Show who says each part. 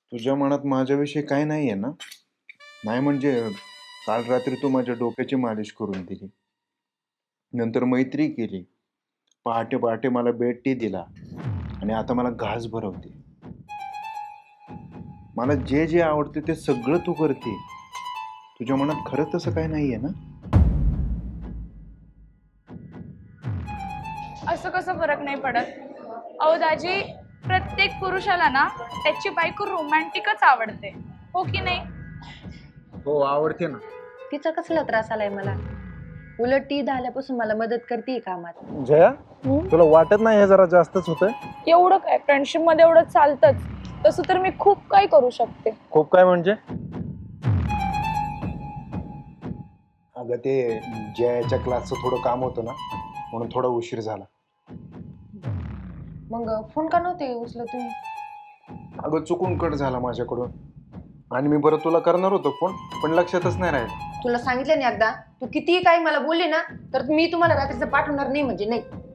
Speaker 1: तुझ्या मनात माझ्याविषयी काय नाहीये ना? नाही म्हणजे काल रात्री तू माझ्या डोक्याची मालिश करून दिली, नंतर मैत्री केली, पहाटे पहाटे मला बेड टी दिला आणि आता मला घास भरवते. मला जे जे आवडते ते सगळं तू करते. तुझ्या मनात खरंच तसं काय नाहीये ना?
Speaker 2: असं कसं फरक नाही पडत? अहो दाजी, प्रत्येक पुरुषाला ना त्याची बायको रोमॅन्टिकच आवडते, हो की नाही?
Speaker 1: हो, आवडते ना.
Speaker 3: तिचा कसला त्रास आलाय मला? उलट ती झाल्यापासून मला मदत करते कामात.
Speaker 4: जया, तुला वाटत नाही हे जरा जास्तच होतंय?
Speaker 2: एवढं काय, फ्रेंडशिप मध्ये एवढं चालतंच. तसं तर मी खूप काही करू शकते.
Speaker 4: खूप काय म्हणजे?
Speaker 1: अगं ते जयाच्या क्लासचं थोडं काम होतं ना, म्हणून थोडा उशीर झाला.
Speaker 3: मग फोन का नव्हते उचलत तुम्ही?
Speaker 1: अगं चुकून कट झाला माझ्याकडून आणि मी परत तुला करणार होतो फोन, पण लक्षातच नाही राहिलं.
Speaker 3: तुला सांगितलं नाही एकदा, तू कितीही काही मला बोलले ना तर मी तुम्हाला रात्रीचं पाठवणार नाही म्हणजे नाही.